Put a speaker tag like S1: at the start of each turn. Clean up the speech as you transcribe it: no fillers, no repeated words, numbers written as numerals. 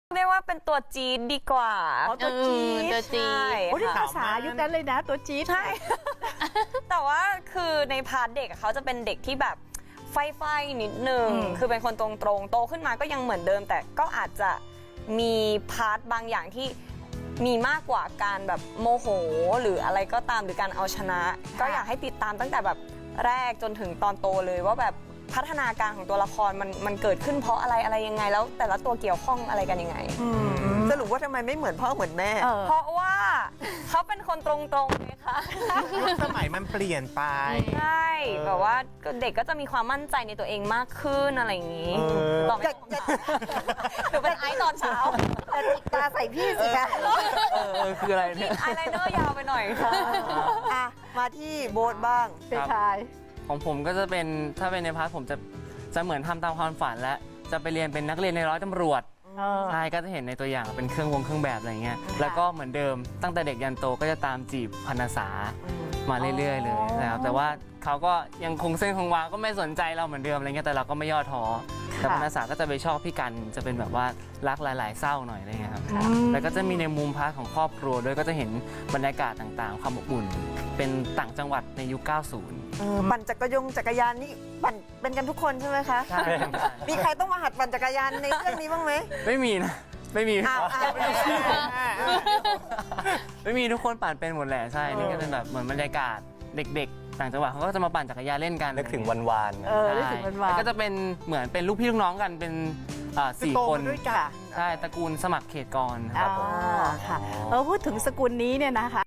S1: เรียกว่าเป็นตัวจี๊ดดีกว่า
S2: อ๋อตัวจี๊ด
S1: ตัวจี๊ด
S2: โอ้นี่ภาษายุคนั้นเลยนะตัวจี๊ด
S1: ใช่ แต่ว่าคือในพาร์ทเด็กเขาจะเป็นเด็กที่แบบไฟนิดนึง คือเป็นคนตรงๆโตขึ้นมาก็ยังเหมือนเดิม แต่ก็อาจจะมีพาร์ทบางอย่างที่มีมากกว่าการแบบโมโหหรืออะไรก็ตามหรือการเอาชนะ ก็อยากให้ติดตามตั้งแต่แบบแรกจนถึงตอนโตเลยว่าแบบพัฒนาการของตัวละครมันเกิดขึ้นเพราะอะไรยังไง แล้วแต่ละตัวเกี่ยวข้องอะไรกันยังไง
S3: สรุปว่าทำไมไม่เหมือนพ่อเหมือนแม่
S1: เพราะว่าเขาเป็นคนตรงๆไงคะ
S4: ยุคสมัยมันเปลี่ยนไป
S1: ใช่แบบว่าเด็กก็จะมีความมั่นใจในตัวเองมากขึ้นอะไรอย่างนี้ตอบไม่ถูกหรือเป็นไอซ์ตอนเช้า
S3: แต่จิกตาใส่พี่สิคะ
S5: คืออะไรเนี่ย
S1: ไอไลเนอร์ยาวไปหน่อยค่ะ
S3: อ่ะมาที่โบ๊ทบ้าง
S2: เป็นชาย
S5: ของผมก็จะเป็นถ้าเป็นในพาร์ทผมจะเหมือนทำตามความฝันและจะไปเรียนเป็นนักเรียนในร้อยตำรวจใช่ก็จะเห็นในตัวอย่างเป็นเครื่องแบบอะไรเงี้ยแล้วก็เหมือนเดิมตั้งแต่เด็กยันโตก็จะตามจีบพรรณษามาเรื่อยๆเลยนะครับแต่ว่าเขาก็ยังคงเส้นคงวาก็ไม่สนใจเราเหมือนเดิมอะไรเงี้ยแต่เราก็ไม่ย่อท้อแต่พรรณษาก็จะไปชอบพี่กันจะเป็นแบบว่ารักหลายๆเศร้าหน่อยอะไรเงี้ยครับแล้วก็จะมีในมุมพาร์ทของครอบครัวด้วยก็จะเห็นบรรยากาศต่างๆความอบอุ่นเป็นต่างจังหวัดในยุค 90
S3: ปั่นจักรยานนี่ปั่นเป็นกันทุกคนใช่ไหมคะ
S5: ใช่
S3: มีใครต้องมาหัดปั่นจักรยานในเรื่องนี้บ้างไหม
S5: ไม่มีนะไม่มี
S3: อ้าว
S5: ไม่มีทุกคนปั่นเป็นหมดแหละใช่นี่ก็เป็นแบบเหมือนบรรยากาศเด็กๆต่างจังหวัดเขาก็จะมาปั่นจักรยานเล่นกัน
S6: นึกถึงวันวาน
S2: นึกถึงวันวาน
S5: แล้วก็จะเป็นเหมือนเป็นลูกพี่ลูกน้องกันเป็นสี่
S4: โต
S5: ค
S4: มาน ด้วยกัน
S5: ใช่ตระกูลสมัครเขตกรครับผม
S2: ค่ะพูดถึงสกุลนี้เนี่ยนะคะ